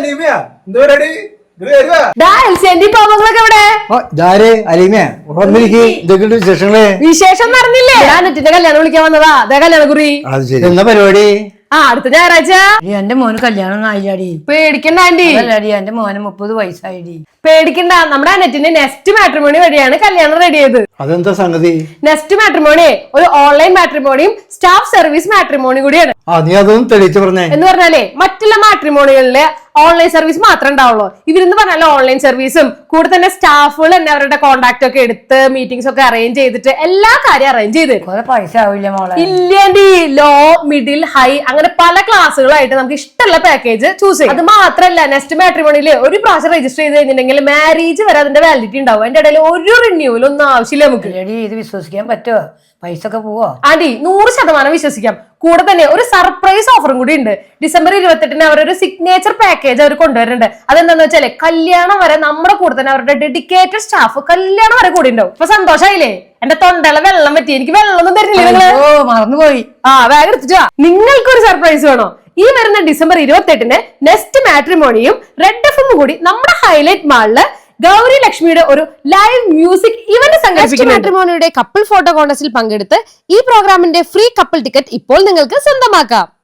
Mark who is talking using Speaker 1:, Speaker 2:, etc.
Speaker 1: വിശേഷം നടന്നില്ലേ? ഞാൻ നെറ്റിന്റെ കല്യാണം വിളിക്കാൻ വന്നതാ. അതെ കല്യാണക്കുറി.
Speaker 2: എന്താ പരിപാടി?
Speaker 1: അടുത്ത ഞായറാഴ്ച.
Speaker 3: എന്റെ മോന് കല്യാണം ആയില്ലാടി.
Speaker 1: പേടിക്കണ്ട ആന്റി.
Speaker 3: എന്റെ മോന് 30 വയസ്സായിടി.
Speaker 1: പേടിക്കണ്ട, നമ്മുടെ നെറ്റിന്റെ നെസ്റ്റ് മാട്രിമോണി വഴിയാണ് കല്യാണം റെഡി ചെയ്തത്.
Speaker 2: അതെന്താ സംഗതി?
Speaker 1: നെസ്റ്റ് മാട്രിമോണി ഒരു ഓൺലൈൻ മാട്രിമോണിയും സ്റ്റാഫ് സർവീസ് മാട്രിമോണി കൂടിയാണ്.
Speaker 2: നീ അതൊന്നും തെളിയിച്ചു പറഞ്ഞേ.
Speaker 1: എന്ന് പറഞ്ഞാലേ മറ്റുള്ള മാട്രിമോണികളിലെ ഓൺലൈൻ സർവീസ് മാത്രമേ ഉണ്ടാവുള്ളൂ. ഇവരെന്ന് പറഞ്ഞാൽ ഓൺലൈൻ സർവീസും കൂടെ തന്നെ സ്റ്റാഫുകൾ തന്നെ അവരുടെ കോൺടാക്ട് ഒക്കെ എടുത്ത് മീറ്റിംഗ്സ് ഒക്കെ അറേഞ്ച് ചെയ്തിട്ട് എല്ലാ കാര്യം അറേഞ്ച് ചെയ്ത് തരും.
Speaker 3: പൈസ ആവില്ല മോളെ?
Speaker 1: ഇല്ലേണ്ടി, ലോ, മിഡിൽ, ഹൈ അങ്ങനെ പല ക്ലാസ്സുകളായിട്ട് നമുക്ക് ഇഷ്ടമുള്ള പാക്കേജ് ചൂസ് ചെയ്യും. അത് മാത്രമല്ല, നെസ്റ്റ് മാട്രിമോണിയിൽ ഒരു പ്രാവശ്യം രജിസ്റ്റർ ചെയ്ത് കഴിഞ്ഞിട്ടുണ്ടെങ്കിൽ മാരേജ് വരെ അതിന്റെ വാലിഡിറ്റി ഉണ്ടാവും. അതിന്റെ ഇടയിൽ ഒരു റിന്യൂവൽ ഒന്നും ആവശ്യമില്ല നമുക്ക്.
Speaker 3: ഇത് വിശ്വസിക്കാൻ പറ്റുമോ? പൈസ ഒക്കെ പോവോ?
Speaker 1: ആന്റി 100% വിശ്വസിക്കാം. കൂടെ തന്നെ ഒരു സർപ്രൈസ് ഓഫറും കൂടി ഉണ്ട്. ഡിസംബർ 28 അവരൊരു സിഗ്നേച്ചർ പാക്കേജ് അവർ കൊണ്ടുവരുന്നുണ്ട്. അതെന്താന്ന് വെച്ചാല് കല്യാണം വരെ നമ്മുടെ കൂടെ തന്നെ അവരുടെ ഡെഡിക്കേറ്റഡ് സ്റ്റാഫ് കല്യാണം വരെ കൂടി ഉണ്ടാവും. ഇപ്പൊ സന്തോഷായില്ലേ? എന്റെ തൊണ്ടയിലെ വെള്ളം പറ്റി. എനിക്ക് വെള്ളമൊന്നും തരുന്നില്ല നിങ്ങള്.
Speaker 3: മറന്നുപോയി.
Speaker 1: വേഗം എടുത്തിട്ടാ. നിങ്ങൾക്കൊരു സർപ്രൈസ് വേണോ? ഈ വരുന്ന ഡിസംബർ 28 നെസ്റ്റ് മാട്രിമോണിയും റെഡ് എഫും കൂടി നമ്മുടെ ഹൈലൈറ്റ് മാളില് ഗൗരി ലക്ഷ്മിയുടെ ഒരു ലൈവ് മ്യൂസിക് ഇവന്റ് സംഘടിപ്പിക്കുന്നു. മാട്രിമോണിയുടെ കപ്പിൾ ഫോട്ടോ കോൺടെസ്റ്റിൽ പങ്കെടുത്ത് ഈ പ്രോഗ്രാമിന്റെ ഫ്രീ കപ്പിൾ ടിക്കറ്റ് ഇപ്പോൾ നിങ്ങൾക്ക് സ്വന്തമാക്കാം.